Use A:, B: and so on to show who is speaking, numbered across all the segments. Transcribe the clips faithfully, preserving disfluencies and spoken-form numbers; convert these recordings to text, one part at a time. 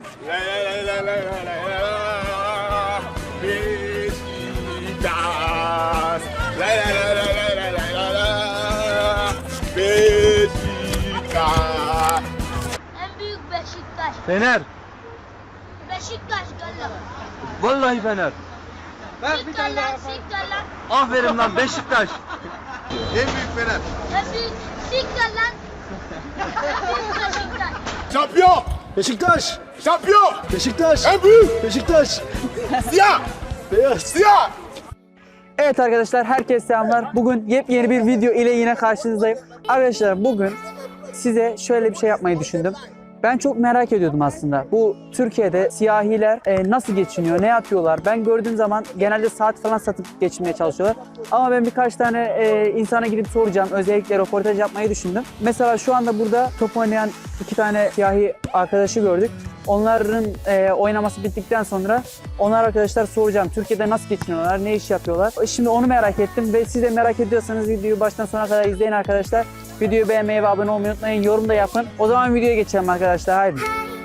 A: La la la la la la la la. Beşiktaş. La la la la la la la la la. Beşiktaş.
B: En büyük Beşiktaş.
C: Fener.
B: Beşiktaş galla.
C: Vallahi Fener.
B: Siktir lan, siktir lan.
C: Aferin lan Beşiktaş.
A: En büyük Fener.
B: En büyük siktir lan. En büyük Beşiktaş.
A: Şampiyon.
D: Beşiktaş!
A: Şampiyon.
D: Beşiktaş!
A: En büyük.
D: Beşiktaş!
A: Siyah.
D: Beyaz!
A: Siyah.
E: Evet arkadaşlar, herkese selamlar. Bugün yepyeni bir video ile yine karşınızdayım. Arkadaşlar bugün size şöyle bir şey yapmayı düşündüm. Ben çok merak ediyordum aslında. Bu Türkiye'de siyahiler e, nasıl geçiniyor, ne yapıyorlar? Ben gördüğüm zaman genelde saat falan satıp geçinmeye çalışıyorlar. Ama ben birkaç tane e, insana gidip soracağım. Özellikle röportaj yapmayı düşündüm. Mesela şu anda burada top oynayan iki tane siyahi arkadaşı gördük. Onların e, oynaması bittikten sonra onlar arkadaşlar soracağım. Türkiye'de nasıl geçiniyorlar, ne iş yapıyorlar? Şimdi onu merak ettim ve siz de merak ediyorsanız videoyu baştan sona kadar izleyin arkadaşlar. Videoyu beğenmeyi ve abone olmayı unutmayın. Yorum da yapın. O zaman videoya geçelim arkadaşlar. Haydi.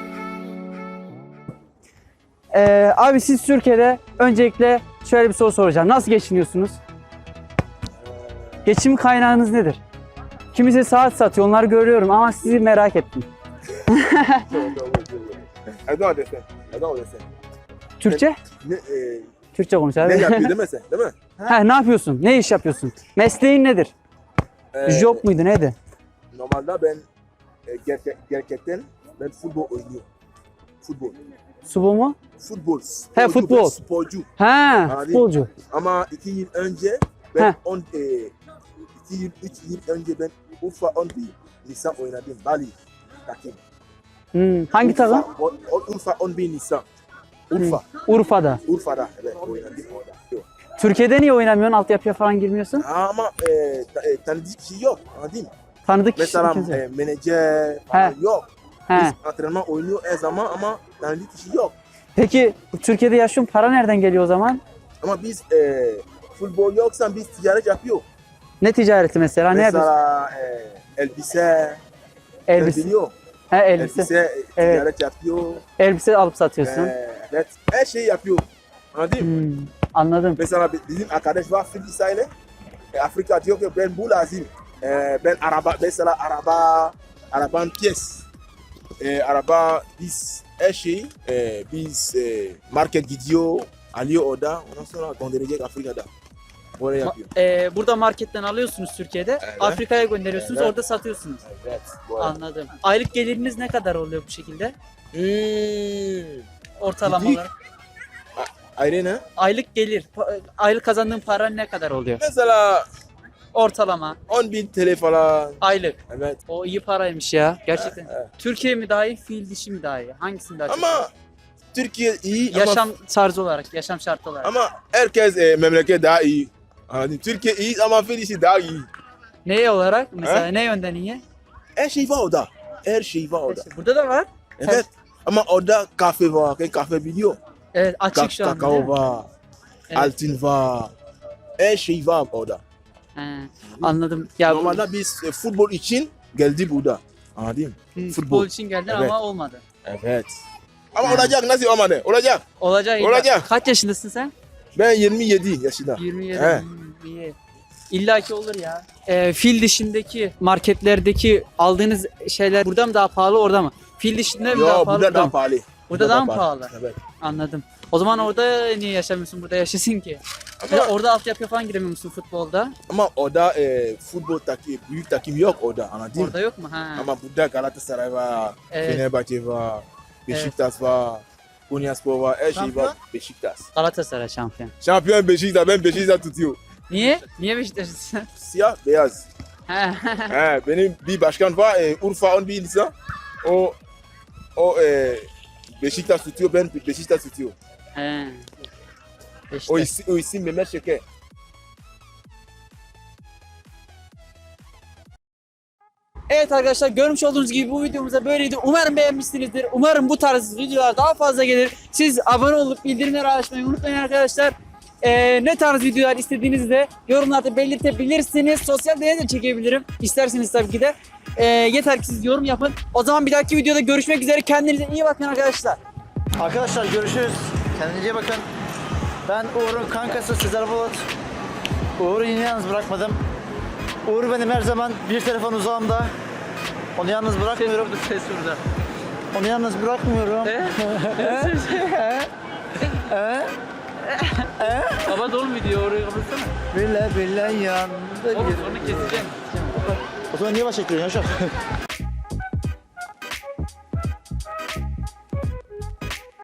E: Ee, abi siz Türkiye'de öncelikle şöyle bir soru soracağım. Nasıl geçiniyorsunuz? Geçim kaynağınız nedir? Kimisi saat satıyor. Onları görüyorum ama sizi merak ettim.
A: I don't understand. I don't understand.
E: Türkçe?
A: Ne, e,
E: Türkçe konuş
A: ne
E: abi.
A: yapıyor değil mi sen? Değil mi?
E: Ha, ne yapıyorsun? Ne iş yapıyorsun? Mesleğin nedir?
A: Ee,
E: Job muydu neydi?
A: Normalde ben e, gerçek, gerçekten ben futbol oynuyorum. Futbol.
E: Subu mu?
A: Futbol.
E: He,
A: Sporcu,
E: futbol.
A: ben Sporcu.
E: Ha,
A: Abi.
E: futbolcu.
A: Ama iki yıl önce ben
E: Heh.
A: on, e, iki yıl, üç yıl önce ben Urfa on bir Nisan oynadım. Bali takım.
E: Hmm, hangi
A: Urfa,
E: takım?
A: o- o- Urfa on bir Nisan. Urfa.
E: Urfa'da.
A: Urfa'da evet oynadım orada. Yok.
E: Türkiye'de niye oynamıyorsun? Altyapıya falan girmiyorsun?
A: Ama e, ta, e, tanıdık kişi yok. Anladın mı?
E: Tanıdık kişi
A: Mesela
E: kimse.
A: e, menajer falan
E: He.
A: yok.
E: He.
A: Biz antrenman oynuyor her zaman ama tanıdık kişi yok.
E: Peki Türkiye'de yaşıyorsun, para nereden geliyor o zaman?
A: Ama biz e, futbol yoksa biz ticaret yapıyor.
E: Ne ticareti mesela? Ne yapıyorsun?
A: Mesela e, elbise,
E: Elbise.
A: ben biliyorum.
E: He, elbise.
A: Elbise e,
E: Evet.
A: ticaret yapıyor.
E: Elbise alıp satıyorsun.
A: E, evet, her şeyi yapıyor. Anladın mı?
E: Hmm, anladım.
A: Mesela bizim arkadaş var Fil İsrail'e. E, Afrika diyor ki ben bu lazım. E, ben araba, mesela araba, arabanın piyes. E, araba biz her şey, e, biz e, market gidiyor, alıyor orada. Ondan sonra gönderecek Afrika'da. Oraya yapıyor.
E: Ee, burada marketten alıyorsunuz Türkiye'de,
A: Evet.
E: Afrika'ya gönderiyorsunuz,
A: Evet.
E: orada satıyorsunuz.
A: Evet. Bu arada.
E: Anladım. Aylık geliriniz ne kadar oluyor bu şekilde?
A: Hmm.
E: Ortalama
A: Ciddi?
E: olarak.
A: Ayrıca
E: Aylık gelir, pa- aylık kazandığın para ne kadar oluyor?
A: mesela
E: Ortalama,
A: on bin T L falan.
E: aylık.
A: Evet.
E: O iyi paraymış ya, gerçekten.
A: Evet.
E: Türkiye mi daha iyi, fiil dişi mi daha iyi? Hangisini daha çok?
A: Ama Türkiye iyi
E: Yaşam
A: ama,
E: tarzı olarak, yaşam şartı olarak.
A: ama herkes e, memleket daha iyi. Anladın? Türkiye iyi ama Filisi daha iyi.
E: Neye olarak? Mesela
A: He?
E: ne yönden iyi?
A: Her şey var orada. Her şey var orada.
E: İşte burada da var.
A: Evet. Ama orada kahve var.Ken kahve biliyor.
E: Evet, açık
A: Ka-
E: şu an. değil
A: kakao
E: mi?
A: var.
E: Evet.
A: Altın var. Her şey var orada.
E: He, anladım. Ya bu-
A: Normalde biz e, futbol için geldik burada. Anladın mı?
E: Hı, futbol
A: futbol.
E: için geldin
A: Evet.
E: ama olmadı.
A: Evet. Ama
E: He.
A: olacak nasıl olmadı? Olacak.
E: Olacak. illa-
A: Olacak.
E: Kaç yaşındasın sen?
A: Ben yirmi yedi yaşında.
E: yirmi yedi.
A: He.
E: Hmm, iyi. İlla ki olur ya. Ee, fil dışındaki marketlerdeki aldığınız şeyler burada mı daha pahalı, orada mı? Fil dışında mı daha
A: Yo
E: pahalı?
A: burada daha
E: mı?
A: pahalı.
E: Burada daha mı pahalı?
A: Evet.
E: Anladım. O zaman orada niye yaşamıyorsun? Burada yaşasın ki. Ya
A: Ama,
E: orada altyapıya falan giremiyor musun futbolda?
A: ama orada e, futbol takım, büyük takım yok orada. Anladın mı?
E: Orada yok mu? Ha.
A: Ama burada Galatasaray var,
E: Evet.
A: Fenerbahçe var, Beşiktaş var, Konyaspor var, her şey
D: Şampiyon?
A: var. Beşiktaş.
E: Galatasaray şampiyon.
A: Şampiyon Beşiktaş, ben Beşiktaş tutuyor.
E: Niye? Niye Beşiktaşlısın?
A: Siyah, beyaz.
E: Ha.
A: He, benim bir başkan var, e, Urfa on bir insan. O, o e, Beşiktaş tutuyor, ben Beşiktaş tutuyor.
E: He.
A: O
E: Beşiktaş.
A: isim, o isim Mehmet Şeker.
E: Evet arkadaşlar, görmüş olduğunuz gibi bu videomuzda böyleydi. Umarım beğenmişsinizdir. Umarım bu tarz videolar daha fazla gelir. Siz abone olup bildirimleri açmayı unutmayın arkadaşlar. Ee, ne tarz videolar istediğinizi de yorumlarda belirtebilirsiniz. Sosyal deney de çekebilirim. İsterseniz tabii ki de. Ee, yeter ki siz yorum yapın. O zaman bir dahaki videoda görüşmek üzere. Kendinize iyi bakın arkadaşlar.
D: Arkadaşlar görüşürüz. Kendinize iyi bakın. Ben Uğur'un kankası Sezer Bulut. Uğur'u yine yalnız bırakmadım. Uğur benim her zaman bir telefon uzağımda. Onu yalnız bırakmıyorum.
C: Ses burada.
D: Onu yalnız bırakmıyorum.
C: Baba dolu video orayı kapatsana.
D: Bile bile yandı.
C: Oğlum onu keseceğim.
D: O zaman niye baş çekiyorsun Yaşar?